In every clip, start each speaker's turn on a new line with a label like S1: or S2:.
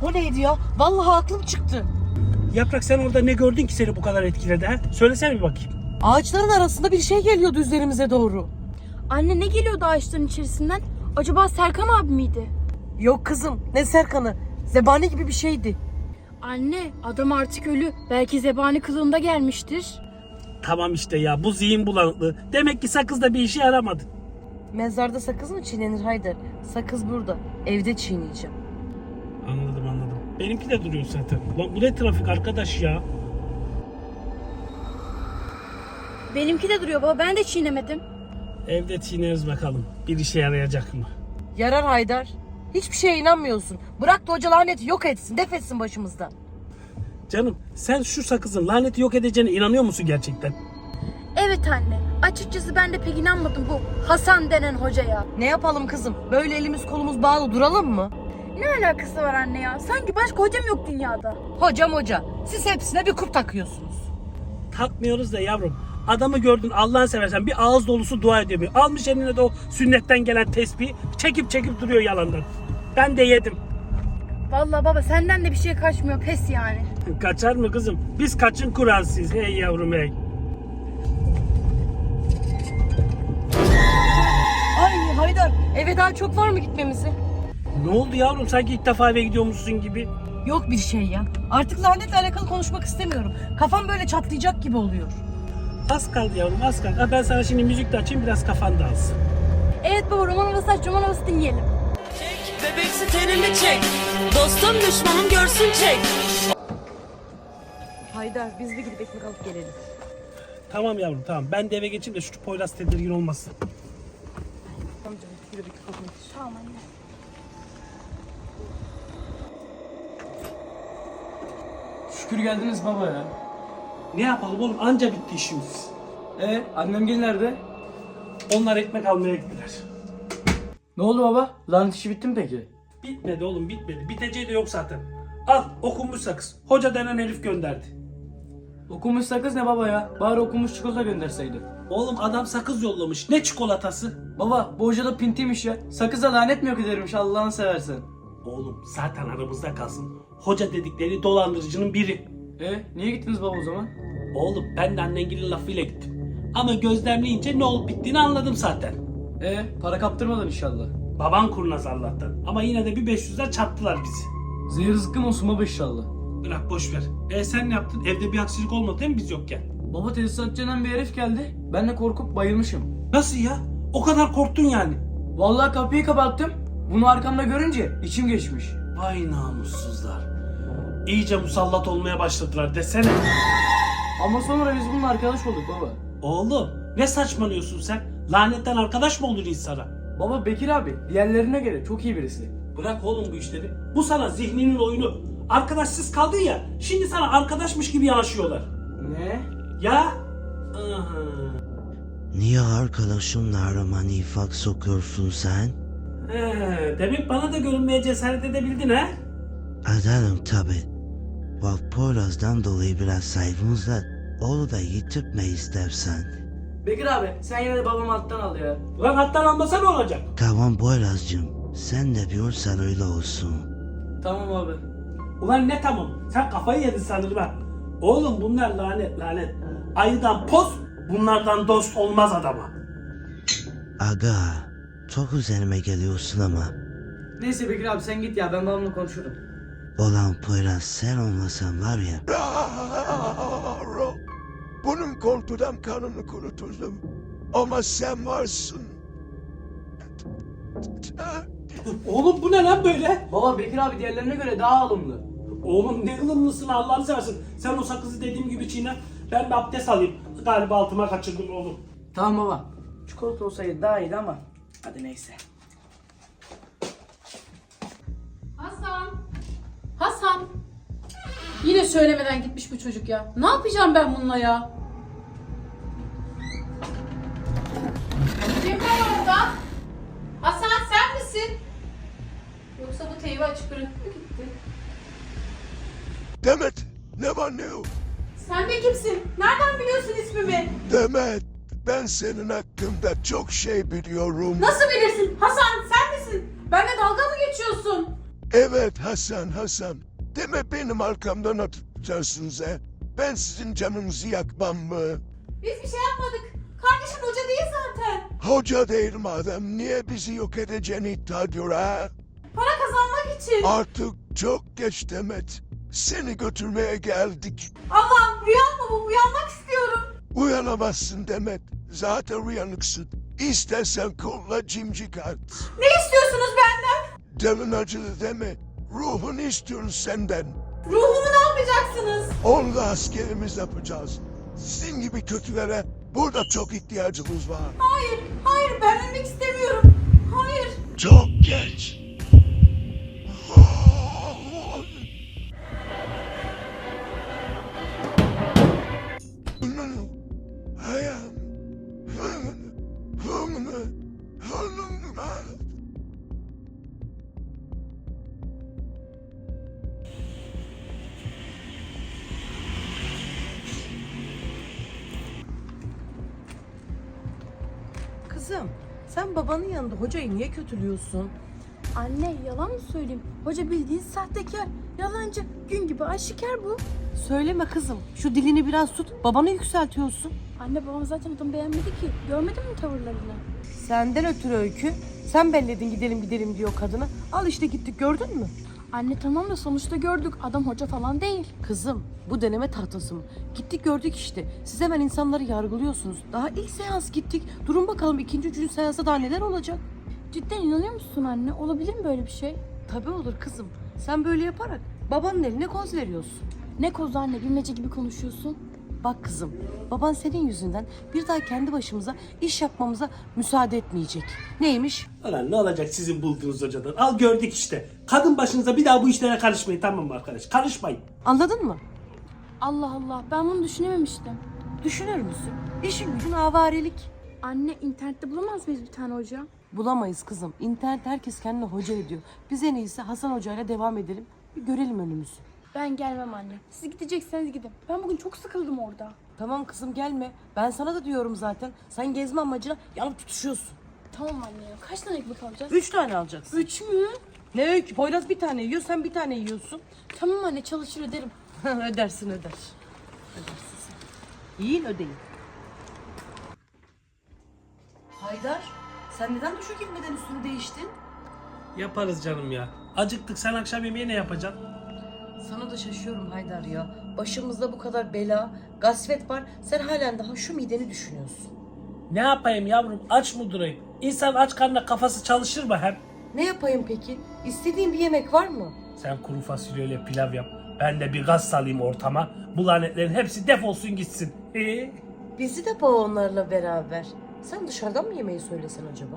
S1: O neydi ya? Vallahi aklım çıktı.
S2: Yaprak, sen orada ne gördün ki seni bu kadar etkiledi ha? Söylesene bir bakayım.
S1: Ağaçların arasında bir şey geliyordu üzerimize doğru.
S3: Anne, ne geliyordu ağaçların içerisinden? Acaba Serkan abi miydi?
S1: Yok kızım, ne Serkan'ı? Zebani gibi bir şeydi.
S3: Anne, adam artık ölü. Belki zebani kılığında gelmiştir.
S2: Tamam işte ya, bu zihin bulanıklığı. Demek ki sakız da bir işe yaramadı.
S1: Mezarda sakız mı çiğnenir Haydar? Sakız burada. Evde çiğneyeceğim.
S2: Anladım. Benimki de duruyor zaten. Ulan bu ne trafik arkadaş ya?
S3: Benimki de duruyor baba, ben de çiğnemedim.
S2: Evde çiğneriz bakalım. Bir işe yarayacak mı?
S1: Yarar Haydar. Hiçbir şeye inanmıyorsun. Bırak da hoca laneti yok etsin, def etsin başımızdan.
S2: Canım, sen şu sakızın laneti yok edeceğine inanıyor musun gerçekten?
S3: Evet anne, açıkçası ben de pek inanmadım bu Hasan denen hocaya.
S1: Ne yapalım kızım? Böyle elimiz kolumuz bağlı duralım mı?
S3: Ne alakası var anne ya? Sanki başka hocam yok dünyada.
S1: Hocam hoca. Siz hepsine bir kup takıyorsunuz.
S2: Takmıyoruz da yavrum. Adamı gördün, Allah'ını seversen bir ağız dolusu dua ediyor. Almış eline de o sünnetten gelen tesbih, çekip duruyor yalandan. Ben de yedim.
S3: Vallahi baba, senden de bir şey kaçmıyor, pes yani.
S2: Kaçar mı kızım? Biz kaçın Kur'ansıyız. Hey yavrum hey.
S1: Ay Haydar, eve daha çok var mı gitmemizi?
S2: Ne oldu yavrum? Sanki ilk defa eve gidiyormuşsun gibi.
S1: Yok bir şey ya. Artık lanetle alakalı konuşmak istemiyorum. Kafam böyle çatlayacak gibi oluyor.
S2: Az kaldı yavrum, az kaldı. Ha, ben sana şimdi müzik de açayım, biraz kafan dağılsın.
S3: Evet baba, roman havası aç, roman havası dinleyelim.
S4: Çek, bebeksi tenimi çek. Dostum düşmanım görsün çek.
S1: Haydar, biz bir gidip ekmek alıp gelelim.
S2: Tamam yavrum, tamam. Ben de eve geçeyim de şu Poyraz tedirgin olmasın.
S1: Tamam canım, yürü bir kapını.
S3: Tamam anne.
S5: Şükür geldiniz baba ya.
S2: Ne yapalım oğlum? Anca bitti işimiz.
S5: Annem gel nerede?
S2: Onlar ekmek almaya gittiler.
S5: Ne oldu baba? Lanet işi bitti mi peki?
S2: Bitmedi oğlum, bitmedi. Biteceği de yok zaten. Al, okunmuş sakız. Hoca denen herif gönderdi.
S5: Okumuş sakız ne baba ya? Bari okumuş çikolata gönderseydi.
S2: Oğlum adam sakız yollamış. Ne çikolatası?
S5: Baba bu hoca da pintiymiş ya. Sakıza lanet mi yok edermiş Allah'ını seversen.
S2: Oğlum zaten aramızda kalsın. Hoca dedikleri dolandırıcının biri.
S5: Niye gittiniz baba o zaman?
S2: Oğlum ben de annengilin lafıyla gittim. Ama gözlemleyince ne olup bittiğini anladım zaten.
S5: Para kaptırmadın inşallah.
S2: Baban kurnaz Allah'tan. Ama yine de bir 500'ler çarptılar bizi.
S5: Zehir zıkkım olsun baba inşallah.
S2: Bırak boş ver. Sen ne yaptın? Evde bir aksilik olmadı değil mi biz yokken?
S5: Baba tesisatçı denen bir herif geldi. Ben de korkup bayılmışım.
S2: Nasıl ya? O kadar korktun yani.
S5: Vallahi kapıyı kapattım. Bunu arkamda görünce içim geçmiş.
S2: Vay namussuzlar. İyice musallat olmaya başladılar desene.
S5: Ama sonra biz bununla arkadaş olduk baba.
S2: Oğlum ne saçmalıyorsun sen? Lanetten arkadaş mı olur insana?
S5: Baba Bekir abi diğerlerine göre çok iyi birisi.
S2: Bırak oğlum bu işleri. Bu sana zihninin oyunu. Arkadaşsız kaldın ya. Şimdi sana arkadaşmış gibi yanaşıyorlar.
S5: Ne?
S2: Ya? Aha.
S6: Niye arkadaşınla arama nifak sokuyorsun sen?
S2: Demek bana da görünmeye cesaret edebildin ha?
S6: Ederim tabi. Bak Poyraz'dan dolayı biraz saygımız var. Onu da yitirtme istersen.
S5: Bekir abi sen yine de babamı alttan al ya.
S2: Ulan hattan almasa ne olacak?
S6: Tamam Poyraz'cığım. Sen de diyorsan öyle olsun.
S5: Tamam abi.
S2: Ulan ne tamam? Sen kafayı yedin sanırım ha. Oğlum bunlar lanet. Ayıdan poz, bunlardan dost olmaz adama.
S6: Aga. Çok üzerime geliyorsun ama.
S5: Neyse Bekir abi sen git ya ben babamla konuşurum.
S6: Olan Poyraz sen olmasan var ya.
S7: Bunun korkudan kanını kuruturdum. Ama sen varsın.
S2: Oğlum bu ne lan böyle?
S5: Baba Bekir abi diğerlerine göre daha alımlı.
S2: Oğlum ne ılımlısın Allah'ını seversin. Sen o sakızı dediğim gibi çiğne. Ben bir abdest alayım. Galiba altıma kaçırdım oğlum.
S5: Tamam baba. Çikolata olsaydı daha iyiydi ama hadi neyse.
S8: Hasan. Yine söylemeden gitmiş bu çocuk ya. Ne yapacağım ben bununla ya? Kim var orada? Hasan sen misin? Yoksa bu teybi açık bırakıp mı gitti?
S7: Demet, ne var ne yok?
S8: Sen de kimsin? Nereden biliyorsun ismimi?
S7: Demet, ben senin hakkında çok şey biliyorum.
S8: Nasıl bilirsin? Hasan sen misin? Benimle dalga mı geçiyorsun?
S7: Evet Hasan. Deme benim arkamdan atacaksınız he. Ben sizin canınızı yakmam mı?
S8: Biz bir şey yapmadık. Kardeşim hoca değil zaten.
S7: Hoca değil madem niye bizi yok edeceğini iddia ediyor ha?
S8: Para kazanmak için.
S7: Artık çok geç Demet. Seni götürmeye geldik.
S8: Allah'ım rüya mı bu? Uyanmak istiyorum.
S7: Uyanamazsın Demet. Zaten uyanıksın. İstersen kolla cimcik at.
S8: Ne istiyorsunuz benden?
S7: Canın acıdı deme. Ruhunu istiyoruz senden.
S8: Ruhumu ne yapacaksınız?
S7: Onunla askerimiz yapacağız. Sizin gibi kötülere burada çok ihtiyacımız var.
S8: Hayır ben ölmek istemiyorum. Hayır.
S7: Çok geç.
S1: Kızım sen babanın yanında hocayı niye kötülüyorsun?
S3: Anne yalan mı söyleyeyim? Hoca bildiğin sahtekar, yalancı, gün gibi aşikar bu.
S1: Söyleme kızım. Şu dilini biraz tut. Babanı yükseltiyorsun.
S3: Anne babam zaten adamı beğenmedi ki. Görmedin mi tavırlarını?
S1: Senden ötürü Öykü. Sen belledin gidelim diyor kadına. Al işte gittik gördün mü?
S3: Anne tamam da sonuçta gördük. Adam hoca falan değil.
S1: Kızım bu deneme tahtası mı? Gittik gördük işte. Siz hemen insanları yargılıyorsunuz. Daha ilk seans gittik. Durun bakalım ikinci, üçüncü seansa daha neler olacak?
S3: Cidden inanıyor musun anne? Olabilir mi böyle bir şey?
S1: Tabii olur kızım. Sen böyle yaparak babanın eline koz veriyorsun.
S3: Ne kozu anne, bilmece gibi konuşuyorsun.
S1: Bak kızım, baban senin yüzünden bir daha kendi başımıza iş yapmamıza müsaade etmeyecek. Neymiş?
S2: Ulan ne olacak sizin bulduğunuz hocadan? Al gördük işte. Kadın başınıza bir daha bu işlere karışmayın, tamam mı arkadaş? Karışmayın.
S1: Anladın mı?
S3: Allah Allah, ben bunu düşünememiştim.
S1: Düşünür müsün? İşin gücün avarelik.
S3: Anne internette bulamaz mıyız bir tane hoca?
S1: Bulamayız kızım. İnternet herkes kendine hoca ediyor. Biz en iyisi Hasan Hoca ile devam edelim. Bir görelim önümüzü.
S3: Ben gelmem anne. Siz gidecekseniz gidin. Ben bugün çok sıkıldım orada.
S1: Tamam kızım gelme. Ben sana da diyorum zaten. Sen gezme amacına yanıp tutuşuyorsun.
S3: Tamam anne ya. Kaç tane ekmek alacağız?
S1: 3 tane alacaksın.
S3: 3 mü?
S1: Ne Öykü? Poyraz bir tane yiyor, sen bir tane yiyorsun.
S3: Tamam anne, çalışır öderim.
S1: Ödersin. Ödersin sen. Yiyin ödeyin. Haydar, sen neden duşa girmeden üstünü değiştin?
S2: Yaparız canım ya. Acıktık, sen akşam yemeği ne yapacaksın?
S1: Sana da şaşıyorum Haydar ya. Başımızda bu kadar bela, gasvet var. Sen halen daha şu mideni düşünüyorsun.
S2: Ne yapayım yavrum, aç mı durayım? İnsan aç karnına kafası çalışır mı hem?
S1: Ne yapayım peki? İstediğin bir yemek var mı?
S2: Sen kuru fasulyeyle pilav yap. Ben de bir gaz salayım ortama. Bu lanetlerin hepsi defolsun gitsin.
S1: Bizi de boğa onlarla beraber. Sen dışarıdan mı yemeği söylesen acaba?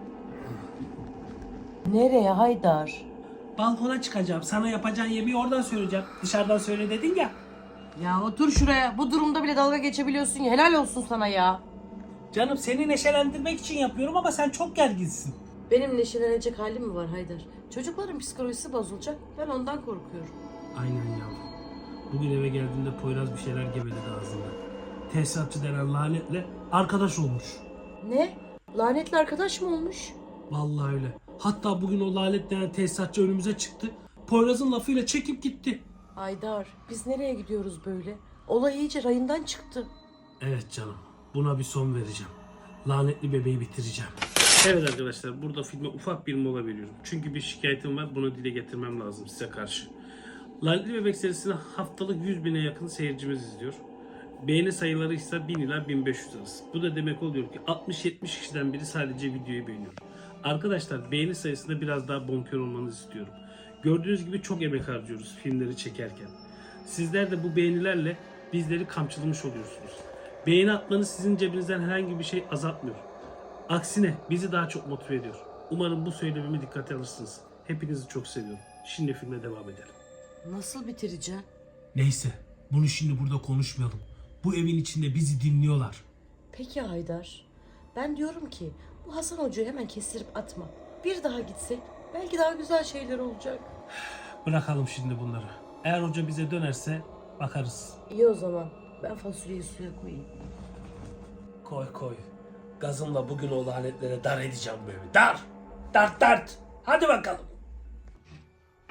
S1: Nereye Haydar?
S2: Balkona çıkacağım. Sana yapacağın yemeği oradan söyleyeceğim. Dışarıdan söyle dedin ya.
S1: Ya otur şuraya. Bu durumda bile dalga geçebiliyorsun ya. Helal olsun sana ya.
S2: Canım seni neşelendirmek için yapıyorum ama sen çok gerginsin.
S1: Benim neşelenecek halim mi var Haydar? Çocukların psikolojisi bozulacak. Ben ondan korkuyorum.
S2: Aynen yavrum. Bugün eve geldiğimde Poyraz bir şeyler geveledi ağzında. Tesisatçı denen lanetle arkadaş olmuş.
S1: Ne? Lanetli arkadaş mı olmuş?
S2: Vallahi öyle. Hatta bugün o lanet denen tesisatçı önümüze çıktı. Poyraz'ın lafıyla çekip gitti.
S1: Haydar, biz nereye gidiyoruz böyle? Olay iyice rayından çıktı.
S2: Evet canım. Buna bir son vereceğim. Lanetli bebeği bitireceğim. Evet arkadaşlar, burada filme ufak bir mola veriyorum. Çünkü bir şikayetim var, bunu dile getirmem lazım size karşı. Lanetli Bebek serisini haftalık 100.000'e yakın seyircimiz izliyor. Beğeni sayıları ise 1000 ila 1500 arası. Bu da demek oluyor ki 60-70 kişiden biri sadece videoyu beğeniyor. Arkadaşlar beğeni sayısında biraz daha bonkör olmanızı istiyorum. Gördüğünüz gibi çok emek harcıyoruz filmleri çekerken. Sizler de bu beğenilerle bizleri kamçılamış oluyorsunuz. Beğeni atmanız sizin cebinizden herhangi bir şey azaltmıyor. Aksine bizi daha çok motive ediyor. Umarım bu söylememi dikkate alırsınız. Hepinizi çok seviyorum. Şimdi filme devam edelim.
S1: Nasıl bitireceğim?
S2: Neyse, bunu şimdi burada konuşmayalım. Bu evin içinde bizi dinliyorlar.
S1: Peki Haydar. Ben diyorum ki bu Hasan Hoca'yı hemen kestirip atma. Bir daha gitsek belki daha güzel şeyler olacak.
S2: Bırakalım şimdi bunları. Eğer hoca bize dönerse bakarız.
S1: İyi o zaman. Ben fasulyeyi suya koyayım.
S2: Koy koy. Gazımla bugün o lanetlere dar edeceğim bu evi. Dar! Dart dart! Hadi bakalım.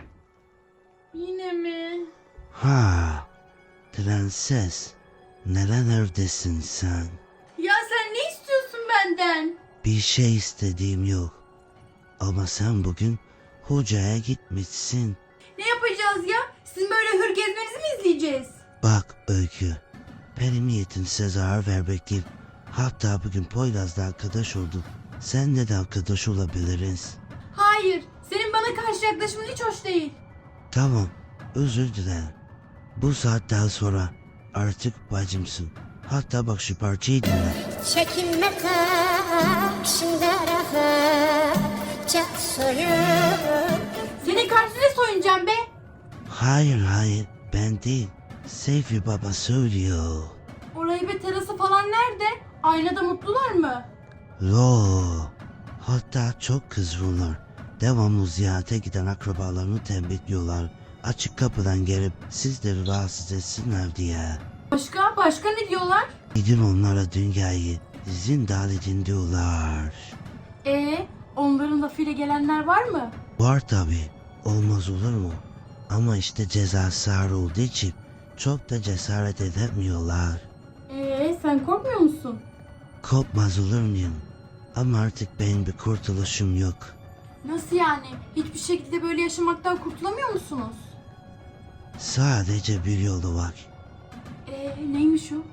S3: Yine mi?
S6: Ha, prenses. Nerelerdesin sen?
S3: Ya sen ne istiyorsun benden?
S6: Bir şey istediğim yok. Ama sen bugün hocaya gitmişsin.
S3: Ne yapacağız ya? Sizin böyle hür gezmenizi mi izleyeceğiz?
S6: Bak Öykü, benim niyetim size zarar vermek değil. Hatta bugün Poyraz'la arkadaş olduk. Seninle de arkadaş olabiliriz.
S3: Hayır. Senin bana karşı yaklaşımın hiç hoş değil.
S6: Tamam, özür dilerim. Bu saatten sonra artık bacımsın. Hatta bak şu parçayı dinle.
S9: Çekinme karşında rahatça soyun.
S3: Senin karşına soyunacağım be.
S6: Hayır, ben değil. Seyfi Baba söylüyor.
S3: Orayı be terası falan nerede? Aynada mutlular mı?
S6: Lo. Hatta çok kızgınlar. Devamlı ziyarete giden akrabalarını tembihliyorlar. Açık kapıdan gelip sizleri rahatsız etsinler diye.
S3: Başka ne diyorlar?
S6: Gidin onlara dünyayı zindan edin diyorlar.
S3: Onların lafıyla gelenler var mı?
S6: Var tabi. Olmaz olur mu? Ama işte cezası ağır olduğu için çok da cesaret edemiyorlar.
S3: Sen korkmuyor musun?
S6: Korkmaz olur muyum? Ama artık benim bir kurtuluşum yok.
S3: Nasıl yani? Hiçbir şekilde böyle yaşamaktan kurtulamıyor musunuz?
S6: Sadece bir yolu var.
S3: Neymiş o?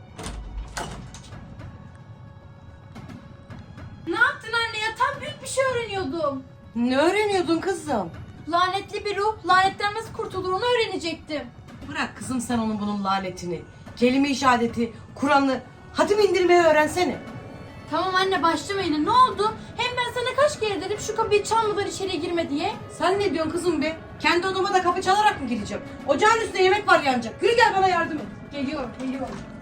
S3: Ne yaptın anne ya? Tam büyük bir şey öğreniyordum.
S1: Ne öğreniyordun kızım?
S3: Lanetli bir ruh lanetten nasıl kurtulur onu öğrenecektim.
S1: Bırak kızım sen onun bunun lanetini. Kelime-i şehadeti, Kur'an'ı, hatim indirmeyi öğrensene.
S3: Tamam anne başlama yine ne oldu? Hem ben sana kaç kere dedim şu kapıyı çalmadan içeri girme diye.
S1: Sen ne diyorsun kızım be? Kendi odama da kapı çalarak mı gireceğim? Ocağın üstünde yemek var yanacak. Yürü gel bana yardım et.
S3: Geliyorum.